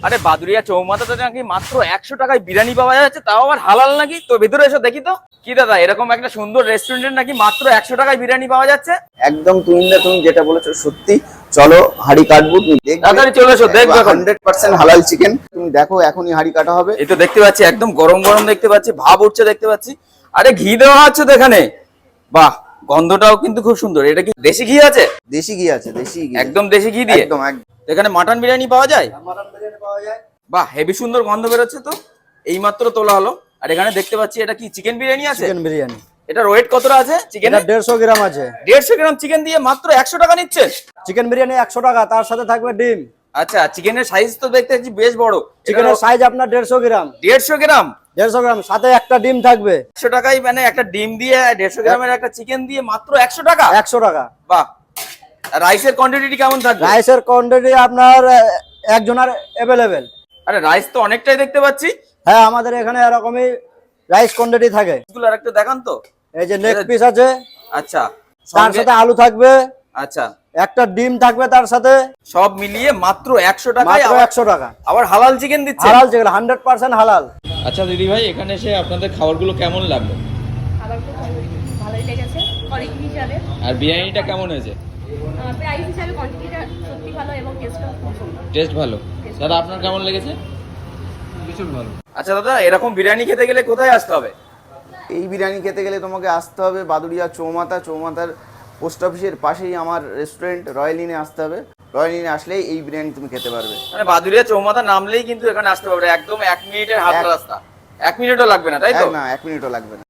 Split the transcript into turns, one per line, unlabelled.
আরে বাদুরিয়া চৌমাথাতে নাকি মাত্র 100 টাকায় বিরিয়ানি পাওয়া যাচ্ছে, তাও আবার হালাল নাকি। তো ভেতরে এসে দেখি তো। কি দাদা, এরকম একটা সুন্দর রেস্টুরেন্টে নাকি মাত্র 100 টাকায় বিরিয়ানি পাওয়া যাচ্ছে?
একদম তুমি যেটা বলেছো সত্যি। চলো হাঁড়ি কাটবো, তুমি দেখবে।
তাড়াতাড়ি চলে এসো, দেখবে এখন।
100% হালাল চিকেন। তুমি দেখো এখনই হাঁড়ি কাটা হবে।
এই তো দেখতে পাচ্ছি একদম গরম গরম দেখতে পাচ্ছি, ভাব উঠছে দেখতে পাচ্ছি। আরে ঘি দেওয়া আছে তো এখানে, বাহ। গন্ধটাও কিন্তু খুব সুন্দর। এটা কি দেশি ঘি আছে?
দেশি ঘি আছে, দেশি ঘি।
একদম দেশি ঘি দিয়ে
একদম।
এখানে মাটন বিরিয়ানি পাওয়া যায়?
মাটন বিরিয়ানি পাওয়া যায়।
বাহ, হেভি সুন্দর গন্ধ বেরোচ্ছে তো। এইমাত্র তোলা হলো। আর এখানে দেখতে পাচ্ছি এটা কি চিকেন বিরিয়ানি আছে?
চিকেন বিরিয়ানি।
এটার ওয়েট কতটা আছে চিকেন?
এটা 150 গ্রাম আছে।
150 গ্রাম চিকেন দিয়ে মাত্র 100 টাকা নিচ্ছে?
চিকেন বিরিয়ানি 100 টাকা, তার সাথে থাকবে ডিম।
আচ্ছা, চিকেনের সাইজ তো দেখতে পাচ্ছি বেশ বড়।
চিকেনের সাইজ আপনার 150 গ্রাম।
150 গ্রাম?
150 গ্রাম, সাথে একটা ডিম থাকবে।
100 টাকায় মানে একটা ডিম দিয়ে 150 গ্রামের একটা চিকেন দিয়ে মাত্র 100 টাকা?
100 টাকা।
বাহ। রাইসের কোয়ান্টিটি কেমন থাকবে?
রাইসের কোয়ান্টিটি আপনার একজনের অ্যাভেলেবেল।
আরে রাইস তো অনেকটাই দেখতে পাচ্ছি।
হ্যাঁ, আমাদের এখানে এরকমই রাইস কোয়ান্টিটি থাকে।
এগুলো আরেকটু দেখান তো।
এই যে নেক পিস আছে,
আচ্ছা।
তার সাথে আলু থাকবে,
আচ্ছা,
একটা ডিম থাকবে তার সাথে।
সব মিলিয়ে মাত্র 100 টাকায়
মাত্র 100 টাকা।
আবার হালাল চিকেন দিচ্ছে?
হালাল চিকেন, 100% হালাল।
আচ্ছা দিদি ভাই, এখানে এসে আপনাদের খাবারগুলো কেমন লাগলো?
খাবারগুলো ভালোই লেগেছে, কোয়ালিটি হিসাবে।
আর বিরিয়ানিটা কেমন হয়েছে?
প্রাইস হিসাবে কোয়ান্টিটিটা সত্যি ভালো এবং টেস্টটাও খুব সুন্দর।
টেস্ট ভালো। দাদা আপনার কেমন লেগেছে? ভীষণ ভালো। আচ্ছা দাদা, এরকম বিরিয়ানি খেতে গেলে কোথায় আসতে হবে?
এই বিরিয়ানি খেতে গেলে তোমাকে আসতে হবে বাদুড়িয়া চৌমাথার পোস্ট অফিসের পাশেই আমার রেস্টুরেন্ট রয়্যাল ইনে আসতে হবে। রয়্যাল ইনে আসলেই এই বিরিয়ানি তুমি খেতে পারবে।
মানে বাদুরিয়া চৌমাথা নামলেই কিন্তু এখানে আসতে পারবে। একদম 1 মিনিটের হাঁটা রাস্তা। 1 মিনিটও লাগবে না, তাই তো?
না, 1 মিনিটও লাগবে না।